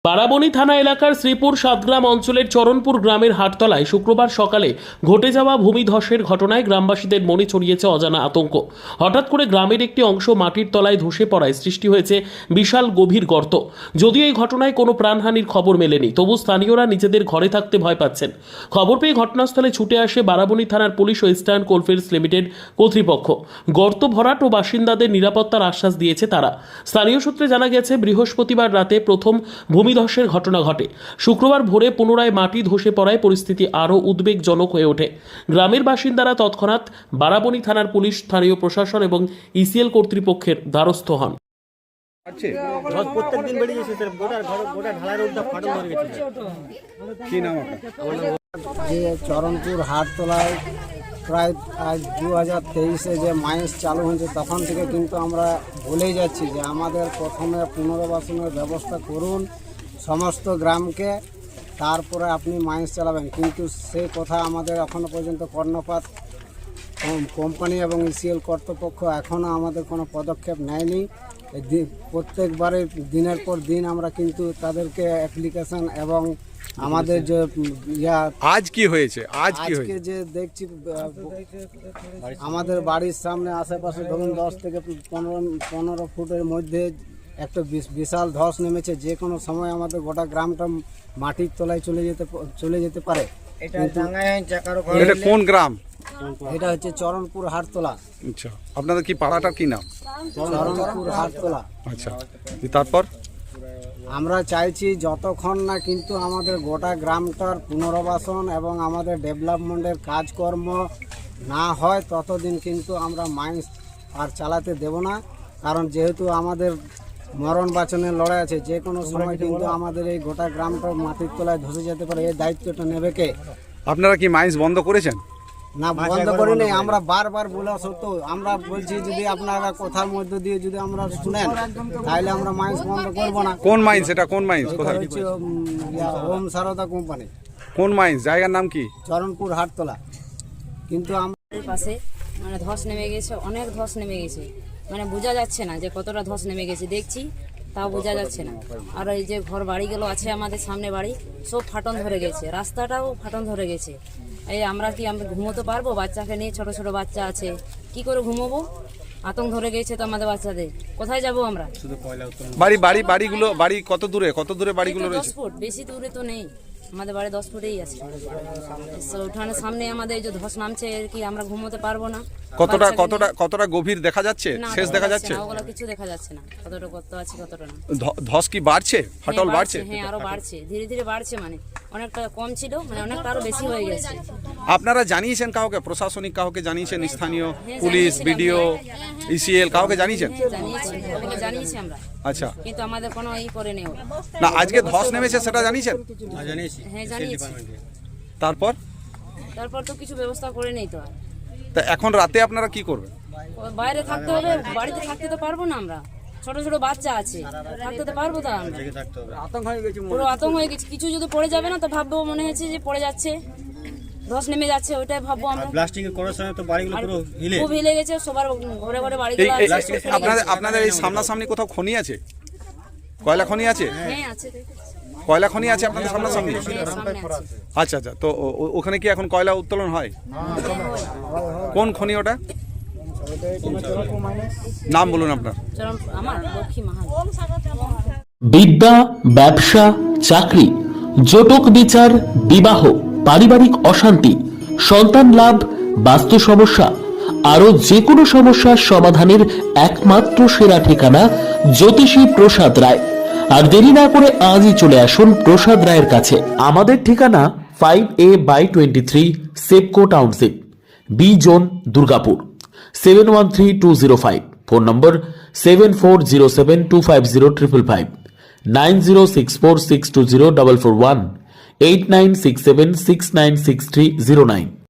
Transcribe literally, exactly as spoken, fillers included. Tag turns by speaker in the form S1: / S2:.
S1: বারাবণী থানা এলাকার শ্রীপুর সাতগ্রাম অঞ্চলের চরণপুর গ্রামের হাটতলায় শুক্রবার সকালে ঘটে যাওয়া ভূমিধসের ঘটনায় গ্রামবাসীদের মনে ছড়িয়েছে অজানা আতঙ্ক। হঠাৎ করে গ্রামের একটি অংশ মাটির তলায় ধসে পড়ায় সৃষ্টি হয়েছে বিশাল গভীর গর্ত। যদিও এই ঘটনায় কোনো প্রাণহানির খবর মেলেনি, তবু স্থানীয়রা নিজেদের ঘরে থাকতে ভয় পাচ্ছেন। খবর পেয়ে ঘটনাস্থলে ছুটে আসে বারাবণী থানার পুলিশ ও ইস্টার্ন কোলফিল্ডস লিমিটেড কর্তৃপক্ষ। গর্ত ভরাট ও বাসিন্দাদের নিরাপত্তার আশ্বাস দিয়েছে তারা। স্থানীয় সূত্রে জানা গেছে, বৃহস্পতিবার রাতে প্রথম ভূমিধসের ঘটনা ঘটে। শুক্রবার ভোরে পুনরায় মাটি ধসে পড়ায় পরিস্থিতি আরও উদ্বেগজনক হয়ে ওঠে। গ্রামের বাসিন্দারা তৎক্ষণাৎ বারাবণী থানার পুলিশ, স্থানীয় প্রশাসন এবং ইসিএল কর্তৃপক্ষের দ্বারস্থ হন।
S2: যে চরণপুর হাটতলায় প্রায় আজ দু হাজার তেইশে যে মাইন্স চালু হয়েছে, তখন থেকে কিন্তু আমরা বলেই যাচ্ছি যে আমাদের প্রথমে পুনর্বাসনের ব্যবস্থা করুন সমস্ত গ্রামকে, তারপরে আপনি মাইন্স চালাবেন। কিন্তু সেই কথা আমাদের এখনও পর্যন্ত কর্ণপাত কোম্পানি এবং ইসিএল কর্তৃপক্ষ এখনও আমাদের কোনো পদক্ষেপ নেয়নি। প্রত্যেকবারে দিনের পর দিন আমরা কিন্তু তাদেরকে অ্যাপ্লিকেশন এবং আমাদের যে ইয়া
S3: আজ কি হয়েছে আজ কি
S2: আজকে যে দেখছি আমাদের বাড়ির সামনে আশেপাশে ধরুন দশ থেকে পনেরো পনেরো ফুটের মধ্যে একটা বিশাল ধস নেমেছে। যে কোনো সময় আমাদের গোটা গ্রামটা মাটির তলায় চলে যেতে চলে যেতে পারে।
S3: এটা কোন গ্রাম?
S2: এটা হচ্ছে চরণপুর হাটতলা।
S3: আচ্ছা, আপনাদের কি পাড়াটার কি নাম?
S2: চরণপুর হাটতলা।
S3: আচ্ছা, তারপর
S2: আমরা চাইছি যতক্ষণ না কিন্তু আমাদের গোটা গ্রামটার পুনর্বাসন এবং আমাদের ডেভেলপমেন্টের কাজকর্ম না হয়, ততদিন কিন্তু আমরা মাইন্স আর চালাতে দেব না। কারণ যেহেতু আমাদের মরণ বাঁচনের লড়াই আছে, যে কোনো সময় কিন্তু আমাদের এই গোটা গ্রামটা মাটির তলায় ধসে যেতে পারে। এই দায়িত্বটা নেবে কে?
S3: আপনারা কি মাইন্স বন্ধ করেছেন?
S2: না, বন্ধ করি নেই। আমরা বারবার বলা সত্ত্বেও আমরা বলছি যদি আপনারা কথার মধ্যে দিয়ে যদি আমরা শুনেন তাহলে আমরা মাইন্স বন্ধ করব না।
S3: কোন মাইন্স এটা? কোন মাইন্স? কোথায়?
S2: হচ্ছে ওম সারদা কোম্পানি।
S3: কোন মাইন্স? জায়গার নাম কি?
S2: চরণপুর হাটতলা। কিন্তু
S4: আমাদের পাশে মানে ধস নেমে গেছে, অনেক ধস নেমে গেছে, মানে বোঝা যাচ্ছে না যে কতটা ধস নেমে গেছে। দেখছি তাও বোঝা যাচ্ছে না। আর এই যে ঘর বাড়িগুলো আছে আমাদের সামনে বাড়ি, সব ফাটন ধরে গেছে, রাস্তাটাও ফাটন ধরে গেছে। এই আমরা কি আমরা ঘুমোতে পারবো? বাচ্চাকে নিয়ে, ছোট ছোট বাচ্চা আছে, কি করে ঘুমোবো? আতঙ্ক ধরে গেছে তো আমাদের বাচ্চাদের। কোথায় যাব আমরা?
S3: বাড়ি বাড়ি বাড়িগুলো বাড়ি কত দূরে কত দূরে বাড়িগুলো
S4: দশ
S3: রয়েছে?
S4: ফুট, বেশি দূরে তো নেই। আমাদের বাড়ি দশ ফুটেই আছে। উঠানের সামনে আমাদের এই যে ধস নামছে, এর কি আমরা ঘুমোতে পারবো না?
S3: কতটা কতটা কতটা গভীর দেখা যাচ্ছে? শেষ দেখা যাচ্ছে?
S4: ওগুলো কিছু দেখা যাচ্ছে না, কতটা কত আছে কতটা না।
S3: ধস কি বাড়ছে? ফাটল বাড়ছে?
S4: হ্যাঁ, আরো বাড়ছে, ধীরে ধীরে বাড়ছে। মানে অনেকটা কম ছিল, মানে অনেকটা আরো বেশি হয়ে গেছে।
S3: আপনারা জানিয়েছেন কাউকে? প্রশাসনিক কাউকে জানিয়েছেন? স্থানীয় পুলিশ, বিডিও, ইসিএল কাউকে জানিয়েছেন?
S4: জানিয়েছি, ওগুলো জানিয়েছি আমরা।
S3: আচ্ছা,
S4: কিন্তু আমাদের কোনো ই করে নেই।
S3: না, আজকে ধস নেমেছে সেটা জানিয়েছেন?
S4: হ্যাঁ, জানিয়েছি।
S3: তারপর
S4: তারপর তো কিছু ব্যবস্থা করে নেই তো। আর
S3: তা এখন রাতে আপনারা কি করবেন?
S4: বাইরে থাকতে হবে, বাড়িতে থাকতে তো পারবো না আমরা। ছোট ছোট বাচ্চা আছে, থাকতে তো পারবো না আমরা। আতঙ্ক হয়ে গেছে, পুরো আতঙ্ক হয়ে গেছে। কিছু যদি পড়ে যাবে না তো ভাববো, মনে হচ্ছে যে পড়ে যাচ্ছে, ধস নেমে যাচ্ছে, ওইটাই ভাববো আমরা।
S5: ব্লাস্টিং করার সময় তো বাড়িগুলো পুরো হিলে
S4: খুব হিলে গেছে, সবার ঘরে ঘরে বাড়িগুলো আছে।
S3: আপনাদের আপনাদের এই সামনাসামনি কোথাও খনি আছে? কয়লা খনি আছে?
S4: হ্যাঁ, আছে।
S3: কয়লা খনি আছে আপনাদের সামনাসামনি? আচ্ছা আচ্ছা, তো ওখানে কি এখন কয়লা উত্তোলন হয়? কোন খনি ওটা? নাম বলুন আপনার।
S4: আমার লক্ষ্মী মাহাল।
S1: বিদ্যা, ব্যবসা, চাকরি, জটক বিচার, বিবাহ, পারিবারিক অশান্তি, সন্তান লাভ, বাস্তু সমস্যা, আরো যে কোনো সমস্যার সমাধানের একমাত্র সেরা ঠিকানা জ্যোতিষী প্রসাদ রায়। আর দেরি না করে আজই চলে আসুন প্রসাদ রায়ের কাছে। আমাদের ঠিকানা five A by twenty three Sepco township, B zone, Durgapur, seven one three two zero five. Phone number seven four zero seven two five zero triple five, nine zero six four six two zero double four one, eight nine six seven six nine six three zero nine.